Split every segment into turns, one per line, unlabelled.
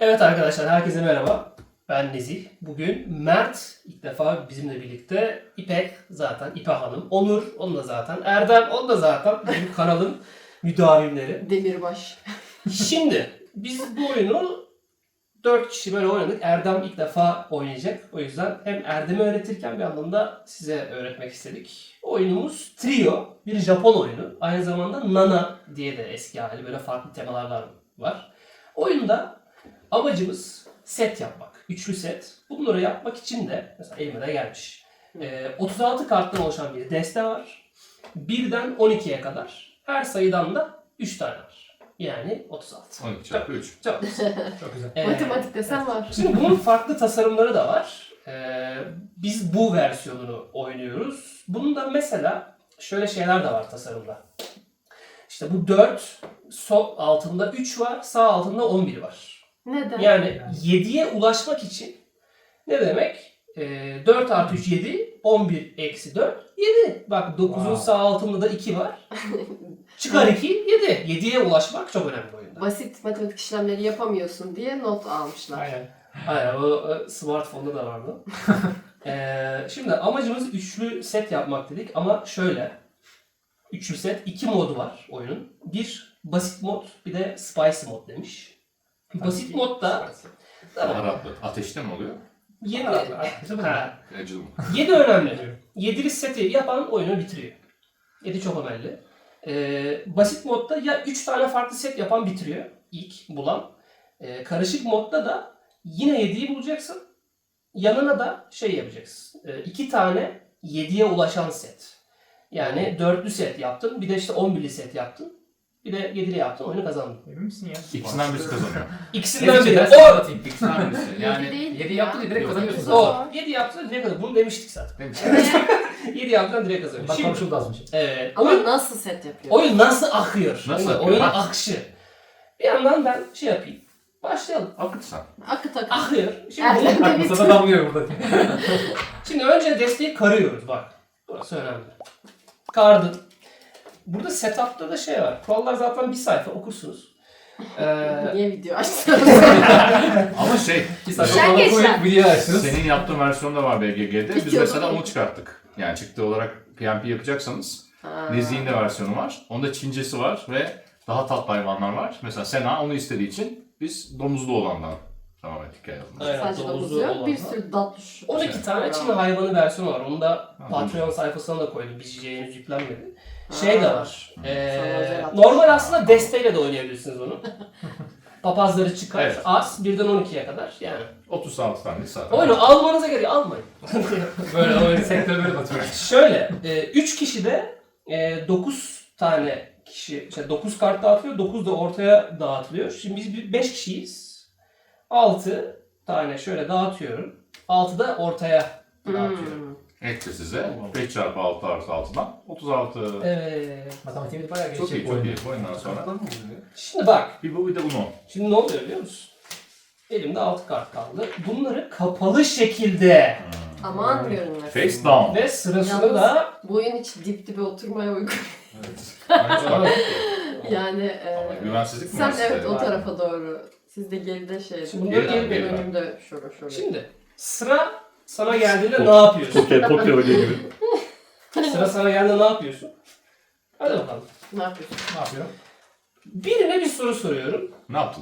Evet arkadaşlar, herkese merhaba. Ben Nezih. Bugün Mert ilk defa bizimle birlikte. İpek zaten, İpek Hanım. Onur, onun da zaten. Erdem, onun da zaten. Bizim kanalın müdavimleri.
Demirbaş.
Şimdi biz bu oyunu 4 kişi böyle oynadık. Erdem ilk defa oynayacak. O yüzden hem Erdem'i öğretirken bir anlamda size öğretmek istedik. Oyunumuz Trio. Bir Japon oyunu. Aynı zamanda Nana diye de eski hali. Böyle farklı temalar var. Oyunda amacımız set yapmak. Üçlü set. Bunları yapmak için de mesela elime de gelmiş. 36 karttan oluşan bir deste var. 1'den 12'ye kadar. Her sayıdan da 3 tane var. Yani 36.
12 çarpı 3.
Çok güzel.
Çok güzel.
Matematik desen var.
Şimdi bunun farklı tasarımları da var. Biz bu versiyonunu oynuyoruz. Bunun da mesela şöyle şeyler de var tasarımda. İşte bu 4, sol altında 3 var, sağ altında 11 var.
Neden?
Yani 7'ye ulaşmak için ne demek? 4 artı 3 7, 11 eksi 4 7. Bak 9'un
Wow.
sağ altında da 2 var. Çıkar 2 7. 7'ye ulaşmak çok önemli bu oyunda.
Basit matematik işlemleri yapamıyorsun diye not almışlar.
Aynen.
Aynen, o smartphone'da da vardı. Şimdi amacımız üçlü set yapmak dedik ama şöyle. Üçlü set, 2 modu var oyunun. Bir basit mod, bir de spicy mod demiş. Basit modda
Baharatlı. Ateşte mi oluyor?
7
Acılı mı?
7 önemli. 7'li seti yapan oyunu bitiriyor. 7 çok önemli. Basit modda ya 3 tane farklı set yapan bitiriyor ilk bulan. Karışık modda da yine 7'yi bulacaksın. Yanına da şey yapacaksın. 2 tane 7'ye ulaşan set. Yani 4'lü set yaptın. Bir de işte 11'li set yaptın. Bir de 7'li yaptın. Oyunu kazandın.
Emin misin ya?
İkisinden birisi kazanıyor.
İkisinden biri.
Ben
O!
anlatayım. İkisinden birisi. Yani
değil
7
ya.
yaptı diye direkt
Yok.
kazanıyorsun
O!
zaten.
7 yaptın direkt kazandın. Bunu demiştik zaten.
Değil mi?
7 yaptın direkt kazandın.
Bak
Şimdi,
konuşuldu az önce.
Ama
oyun,
nasıl set yapıyor?
oyun nasıl akıyor?
Nasıl
Oyun-
akıyor?
Oyunun
Bak.
akışı. Bir yandan ben şey yapayım. Başlayalım.
Akıt sen.
Akıt akıt.
Akıyor. Şimdi,
Erdem de
Bak masada damlıyor burada.
şimdi önce desteği karıyoruz bak. Burası önemli. Kardın. Burada setup'ta da şey var. Kurallar zaten bir sayfa okursunuz.
Niye video açtın?
Ama şey,
2 saat
Sen
sonra
geç
koyup
lan.
video açtınız.
senin yaptığın versiyonda var BGG'de. Biz
Bitiyor,
mesela
değil mi?
onu çıkarttık. Yani çıktı olarak PMP yapacaksanız
Ha.
Nezih'in de versiyonu var. Onda Çincesi var ve daha tatlı hayvanlar var. Mesela Sena onu istediği için biz domuzlu olandan devam ettik yazımıza.
Aynen,
Sadece
domuzlu
domuz yok.
olanlar.
Bir sürü tatlı.
12 tane Çin hayvanı versiyonu var. Onu da
Ha,
Patreon sayfasına da koydum. BGG'ye henüz yüklenmedi. Şey de var.
Sana özel atmış.
Normal aslında desteğiyle de oynayabilirsiniz onu. Papazları çıkar.
Evet.
Az. 1'den 12'ye kadar. Yani.
36 tane zaten.
Oyunu almanıza gerek almayın.
Böyle oyun sektör böyle batıyor.
Şöyle. 3 kişi de 9 tane kişi, işte 9 kart dağıtılıyor. 9 da ortaya dağıtılıyor. Şimdi biz 5 kişiyiz. 6 tane şöyle dağıtıyorum. 6 da ortaya dağıtıyorum.
Etti size. 5 çarpı 6 artı 6'dan 36.
Evet.
Matematiğimiz bayağı
Çok
gelişecek
iyi,
bu
çok
oyunda.
iyi. Bu oyundan sonra.
Şimdi bak.
Bir bu bir de bunu.
Şimdi ne oluyor biliyor musun? Elimde 6 kart kaldı. Bunları kapalı şekilde
Aman görünmez.
Face down.
ve sırasını
Yalnız-
da
Bu oyun hiç dip dibe oturmaya uygun.
Evet. Bence bak.
Yani
Ama güvensizlik mi
sen
var sizde?
evet o tarafa doğru. Siz de geride şey.
Şimdi
Geriden,
geri-
Ben
geriden.
önümde şöyle.
Şimdi sıra sana geldiğinde ne yapıyorsun?
Poker oynuyor gibi.
Sıra sana geldiğinde ne yapıyorsun? Hadi bakalım.
Ne yapıyorsun?
Ne yapıyor?
Birine bir soru soruyorum.
Ne yaptın?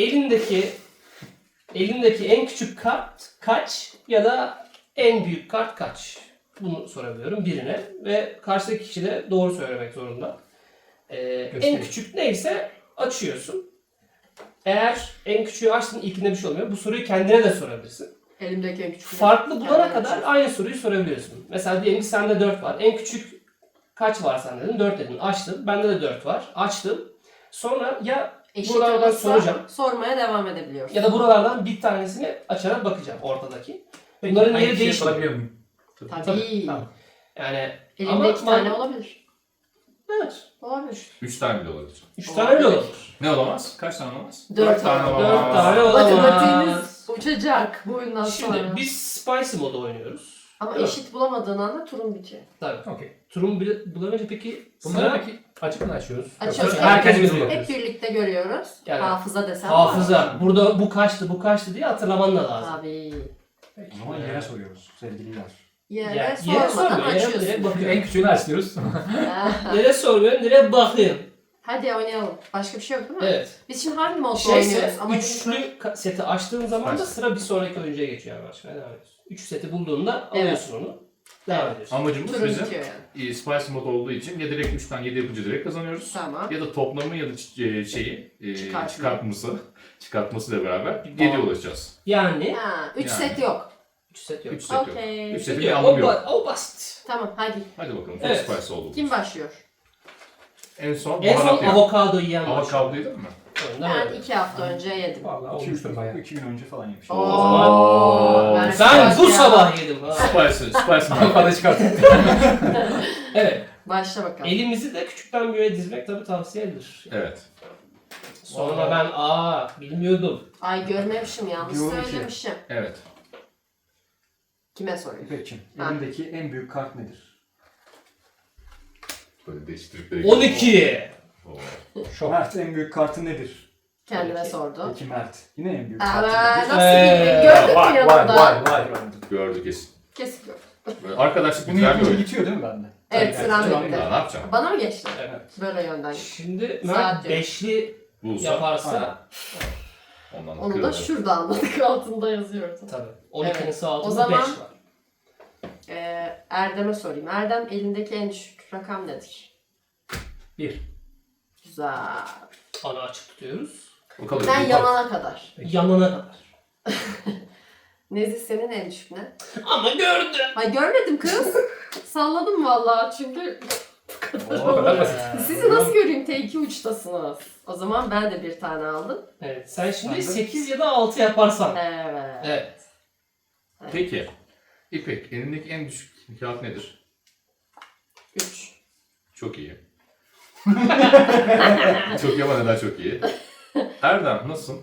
Elindeki en küçük kart kaç ya da en büyük kart kaç? Bunu sorabiliyorum birine ve karşıdaki kişi de doğru söylemek zorunda. En
Göstereyim.
küçük neyse açıyorsun. Eğer en küçüğü açtın ilkinde bir şey olmuyor. Bu soruyu kendine de sorabilirsin.
Elimdeki en küçük.
Farklı bulana
Kendine
kadar
açıyorsun.
aynı soruyu sorabiliyorsun. Mesela diyelim ki sende 4 var. En küçük kaç var sende dedin? 4 dedin. Açtın. Bende de 4 var. Açtım. Sonra ya
Eşit
buralardan
olursa
soracağım.
sormaya devam edebiliyoruz.
Ya da buralardan bir tanesini açarak bakacağım ortadaki.
Peki,
Bunların
aynı
yeri
şey
değişmiyor.
yapabiliyor muyum?
Tabii.
Tamam.
Yani
Elimde
ama
2 tane olabilir.
Evet.
Olabilir.
3 tane bile olabilir.
3 tane bile olabilir.
Ne olamaz? Kaç tane olamaz?
4
tane
tane.
olamaz.
4 tane olamaz.
Matematiğiniz uçacak bu oyundan
Şimdi
sonra.
biz spicy modu oynuyoruz.
Ama
Evet.
eşit bulamadığın anda turun bitiyor.
Tabii.
Okey.
Turun bulamayınca peki
Bunları
sıra
peki Açık mı açıyoruz?
Açıyoruz.
Yoksa herkes mi
Hep
bakıyoruz?
birlikte görüyoruz.
Yani
Hafıza desem
Hafıza. Burada bu kaçtı, bu kaçtı diye hatırlaman da lazım.
Tabii.
O zaman yere soruyoruz sevgililer.
Yere
Yere
sormadan
sormuyor, yere
açıyorsun.
direkt bakıyor.
En küçüğünü açıyoruz.
Yere sormuyorum, direkt bakıyorum.
Hadi oynayalım. Başka bir şey yok değil mi?
Evet.
Biz şimdi hangi modda
Şeyse,
oynuyoruz? Ama
üçlü seti açtığın zaman da sıra bir sonraki oyuncuya geçiyor. Yani başka devam ediyorsun. Üç seti bulduğunda
Evet.
alıyorsun onu. Devam
Evet.
ediyorsun.
Amacımız
turun
bizim
bitiyor yani.
Spice mod olduğu için ya direkt 3'ten 7 yapınca direkt kazanıyoruz.
Tamam.
Ya da toplamı ya da şeyi
Çıkartma.
çıkartmasıyla beraber 7'ye ulaşacağız.
Yani
Ha, 3
Yani.
set yok.
3 set yok.
3 set yok.
Okey.
3 setin bir
Yok,
anlamı yok.
o basit.
Tamam hadi.
Hadi bakalım. Çok
Evet.
Spice oldu.
Kim başlıyor?
En son
En son
baharat yiyen.
avokado yiyen var.
Avokado yedin mi?
Ben 2 hafta önce yedim.
Vallahi
2
olmuştur bayağı.
2 gün önce falan yemiş.
Oo, ben
Ben bu
ya.
sabah yedim. Ha.
Spice
Avokado çıkarttık.
Evet.
Başla bakalım.
Elimizi de küçükten büyüğe dizmek tabii tavsiye edilir.
Evet.
Sonra ben bilmiyordum.
Ay görmemişim yanlış
Diyorum ki-
söylemişim.
Evet.
Kime sorayım?
İpek'ciğim,
Ha.
elindeki en büyük kart nedir?
Böyle değiştirip
12.
Mert, en büyük kartı nedir?
Kendime
Peki.
sordu.
Peki Mert, yine en büyük
Aa,
kartı nedir?
nasıl bildin? Gördün mü yanında?
gördük kesin.
Kesin gördüm.
Böyle arkadaşlık
Bunu
güzel bir
yapınca
oyun.
bitiyor değil mi bende?
Evet
Tabii,
sıram
sıram
bitti.
Daha ne yapacağım?
Bana mı geçti?
Evet.
Böyle yönden.
Şimdi
Saat
Mert
diyor.
beşli
Bulsa
yaparsa
ondan
Onu da
kırılır.
şurada anladık altında yazıyordu.
tabii 12'nin
Evet.
sağ altında
O zaman-
5 var.
Erdem'e sorayım. Erdem elindeki en düşük rakam nedir?
1.
Güzel.
Ana açık tutuyoruz.
Bakalım.
Ben yanana kadar.
Yanına kadar.
Nezih senin en düşük ne?
Ama gördüm.
Ay görmedim kız. Salladım vallahi çünkü
O kadar basit.
sizi nasıl göreyim? T2 uçtasınız. O zaman ben de bir tane aldım.
Evet. Sen şimdi
Ben de-
8 ya da 6 yaparsan.
Evet.
Evet.
Peki. İpek, elindeki en düşük kağıt nedir?
3.
Çok iyi. Çok iyi ama neden çok iyi? Erdem, nasılsın?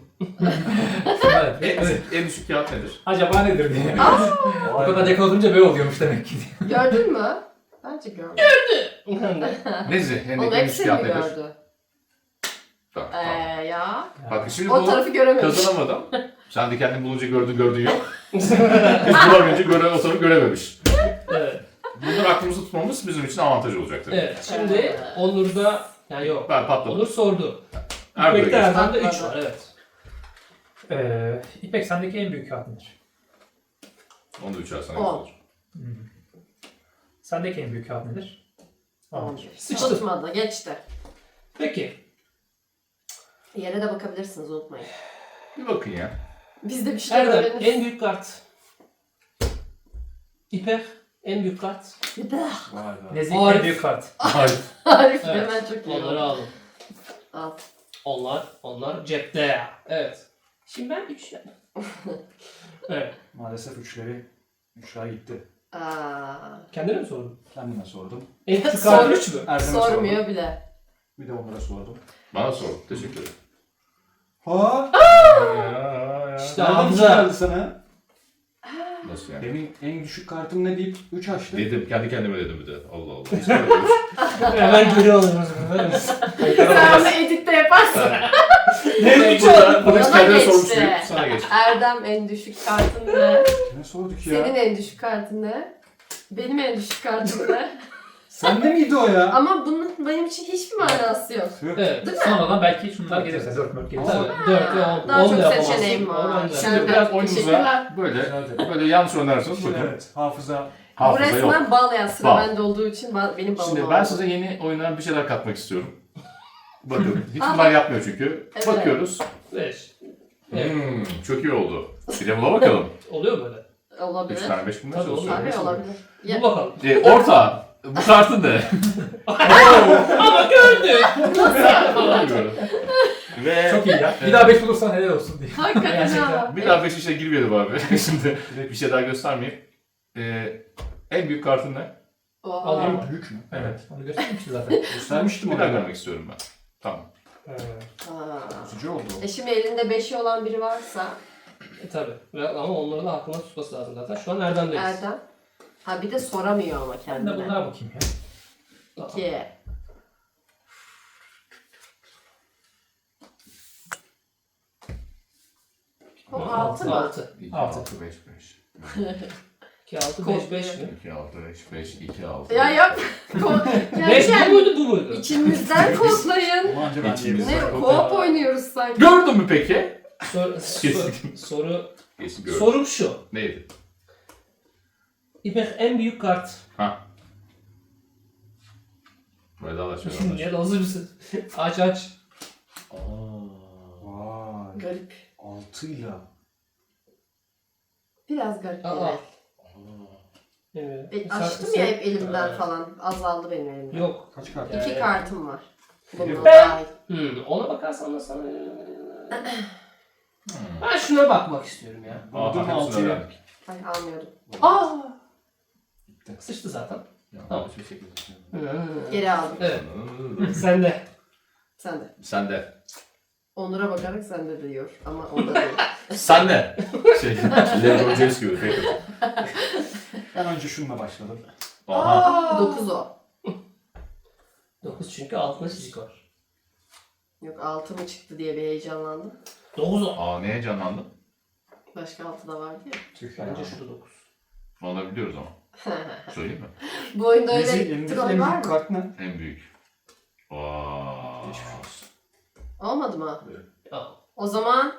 En düşük kağıt nedir?
Acaba nedir diye. O kadar yakaladınca böyle oluyormuş demek ki.
Gördün mü? Bence görmedim.
Nezi,
Oğlum
elindeki en düşük
hepsini
kağıt
mi
nedir?
gördü?
Tamam, tamam.
Ya.
Bak şimdi
O
bunu
tarafı görememiş.
kazanamadım. Sen de kendin bulunca gördün yok. Biz bulamayınca o tarafı görememiş.
Evet.
Bunları aklımızda tutmamız bizim için avantaj olacaktır.
Evet. Şimdi Onur'da yani yok.
Ben patladım.
Onur sordu.
Erdem'e
İpek'te
geçtim.
Erdem'de 3 var. Evet.
İpek sendeki en büyük kağıt nedir?
Onu da 3 sana
On.
gösterir.
Sendeki en büyük kağıt nedir?
11.
Sıçtı.
Tutmadı. Geçti.
Peki.
Yere de bakabilirsiniz unutmayın.
Bir bakın ya.
Biz de bir şeyler
Erdem
öğreniriz.
en büyük kart. İpek en büyük kart.
Vay be.
Nezih
Arif.
en büyük kart.
Hayır.
Arif
Evet.
hemen çok iyi
Onları
oldu.
aldım.
Al.
Onlar cepte. Evet. Şimdi ben 3 Evet.
Maalesef üçler gitti.
Aa,
Kendine mi sordun?
Kendime sordum.
En küçük kart
Sor.
3 mü?
Erdem'e
sormuyor
sordum.
bile.
Bir de onlara sordum.
Bana sor. Teşekkür ederim.
Ha?
İşte
Nereden
Hamza.
geldi sana?
Nasıl yani?
Benim en düşük kartım ne deyip 3 açtı.
Dedim. Kendi kendime dedim bir de. Allah Allah. Hiç böyle bir şey.
Hemen geri alıyoruz. Böyle
Sen onu editte yaparsın.
Ne 3
Burada
aldım.
hiç
Bana
kendine
geçti.
sormuş değil. Sana geçti.
Erdem en düşük kartın ne?
Ne sorduk ya?
Senin en düşük kartın ne? Benim en düşük kartım ne?
Sende miydi o ya?
Ama bunun benim için hiçbir manası yok.
Evet.
Değil mi?
Sonradan belki şunlar gelirse 4 gelirse.
Tabii. 4 ve 10.
Daha
10
çok
da yapamazsın.
seçeneğim var.
10 da.
Sen-
Şimdi biraz
Teşekkürler.
oyunumuza böyle
Hadi.
yanlış oynarsanız bakın.
Evet, hafıza.
Bu
Hafıza yok.
resmen bağlayan sıra
Bal.
bende olduğu için benim balım
Şimdi
oldu.
ben size yeni oyuna bir şeyler katmak istiyorum. Bakın. Hiç
Aha.
bunlar yapmıyor çünkü.
Evet.
Bakıyoruz.
5. Evet.
Çok iyi oldu. Bir de buna bakalım.
Oluyor mu böyle?
3
Olabilir.
tane 5 bunlar
Tabii,
çalışıyor.
Tabii olabilir.
Bu bakalım.
Orta. Bu kartın ne?
Ama gördük.
Bilmiyorum. Ve
Çok iyi ya. Bir daha 5 bulursan helal olsun diye.
Hakikaten
Gerçekten.
ha.
bir daha 5 işe girmeyelim abi. Şimdi bir şey daha göstermeyeyim. En büyük kartın ne?
Oha.
Alayım.
Büyük mü?
Evet. Onu göstermişti zaten.
Göstermiştim
Bir
onu.
daha görmek istiyorum ben. Tamam.
Aa.
Üzücü oldu.
Şimdi elinde 5'i olan biri varsa
Tabii. Ama onları da aklına tutması lazım zaten. Şu an Erdem'deyiz.
Erdem. Ha bir de soramıyor ama
Ben de
kendine.
bunlara bakayım ya.
2. O 6 mı?
6.
2,
Altı.
6, 5, 5.
2, 6, 5, 5 mi?
2, 6, 5, 5, 2, 6.
Ya yap.
5 bu
Yani
muydu bu muydu?
İçimizden kodlayın.
Onu anca ben
İçimiz-
diyebilirim.
Ne co-op oynuyoruz sanki.
Gördün mü peki?
Soru
Kesin gördüm.
sorum şu.
Neydi?
İpek en büyük kart.
Ha. Vedalaşıyor.
Ya da hazır mısın? Aç.
Vay.
Garip.
6'yla.
Biraz garip.
Aa.
Evet.
Evet.
Açtım ya hep elimden falan. Azaldı benim elimden.
Yok.
Kaç kart?
2 kartım var. Bununla
Ben-
dahil.
Ona bakarsan da sana... Ben şuna bakmak istiyorum ya.
Buldum
Hepsini
6'yı.
öğrendik.
Ay almıyordum.
Aa! Sıçtı zaten.
Yanlış bir şekilde.
Geri aldım.
Evet. Sen de.
Sen de.
Sen de.
Onur'a bakarak sende de diyor. Ama onda değil.
Sen de. LeBron James gibi. Peki.
Ben önce şununla başladım.
Aha.
9 o.
9 çünkü altında çizik var.
Yok 6 mı çıktı diye bir heyecanlandım.
9 o.
Aa, neye canlandın?
Başka 6 da vardı ya.
Tüh ya.
Bence şurada 9.
Onu da biliyoruz ama. Söyleyeyim mi?
Bu oyunda
Neyse,
öyle
elimdeki
troll
en
var
büyük
mı?
kart ne?
En büyük. Vaa.
Geçmiş olsun.
Olmadı mı?
Aa.
O zaman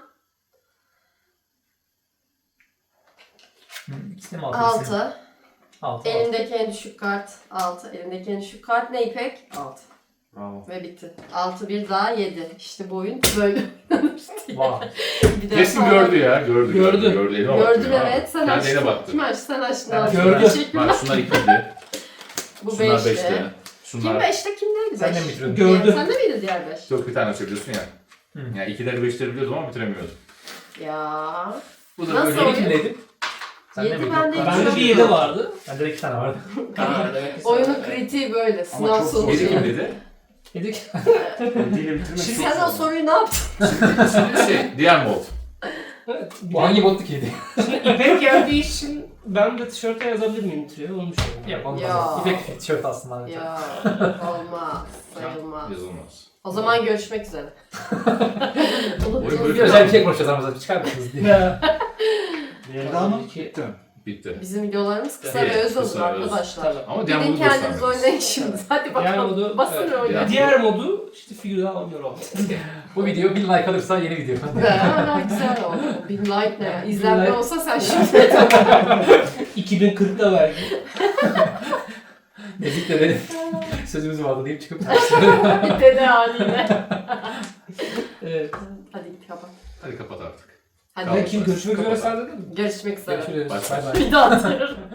İkisini mi altı?
6.
6.
Elimdeki en düşük kart 6. Elimdeki en düşük kart ne İpek? 6.
Bravo.
Ve bitti. 6 bir daha 7. İşte bu oyun böyle.
Vay.
Bir de
Kesin
sonra-
gördü ya. Gördü.
Gördü.
Gördü. Elime baktı
Gördüm
ya.
evet. Sen
Kendi eline
açtın.
baktı.
Kim açtı? Sen açtın.
Ben
Al.
gördüm.
Teşekkürler.
Bak şunlar 2'ydi.
Bu
Şunlar
5'te.
5'ti.
Kim
Şunlar
5'te? Kim neydi 5?
Sen de mi bitirdin?
Gördüm.
Sen de miydi diğer 5?
Yok, bir tane söylüyorsun ya.
Hı.
Yani 2'leri 5'leri biliyordum ama bitiremiyordum.
Ya.
Bu da
Nasıl
böyle
oyun?
kimdeydi? Sen
Yedi
de miydin?
bende
Yok,
iki.
Bende bir 7 vardı.
Bende de 2 tane vardı.
Aa, demek ki sen-
Oyunun kritiği böyle.
Ama
Sınav
çok zor.
sonucu.
Biri kim dedi?
Dedik.
Eliyle bitirmek çok
Sen o
zor.
soruyu ne yaptın?
Diğer mod.
Bu hangi bottu ki yedi?
İpek geldiği için ben de tişörte yazabilir miyim trio? Onu düşünüyorum.
Yok olmaz.
Ya.
İpek tişört aslında.
Ya olmaz. Sayılmaz.
Yazılmaz.
O zaman görüşmek üzere.
Oyun böyle
Bir özel bir şey konuşacağız aramızda. Çıkar mısınız diye.
Ya.
Diğeri daha mı?
İki.
Bitti.
Bitti.
Bizim videolarımız kısa
Evet,
ve öz olur
kısa ve öz.
arkadaşlar.
Tabii.
Ama diğer
Gidin
modu
kendiniz
göstermediniz.
oynayın şimdi. Hadi
Diğer
bakalım.
modu-
Basın
evet,
ve oynayın.
diğer-
Diğer modu işte figür daha oynuyor.
Bu video 1000 like alırsa yeni video.
Ha, güzel oldu. Bin like ne ya? İzlenme
like.
olsa sen şimdi
2040'da belki.
Nezik de benim sözümüz vardı deyip çıkıp
dede haline.
Evet.
Hadi git kapat.
Hadi kapat artık.
Hadi
Tamam.
Kim görüşmek üzere sen dedin mi?
görüşmek üzere.
görüşürüz.
Bye.
Bay bay.
Bir daha atıyorum.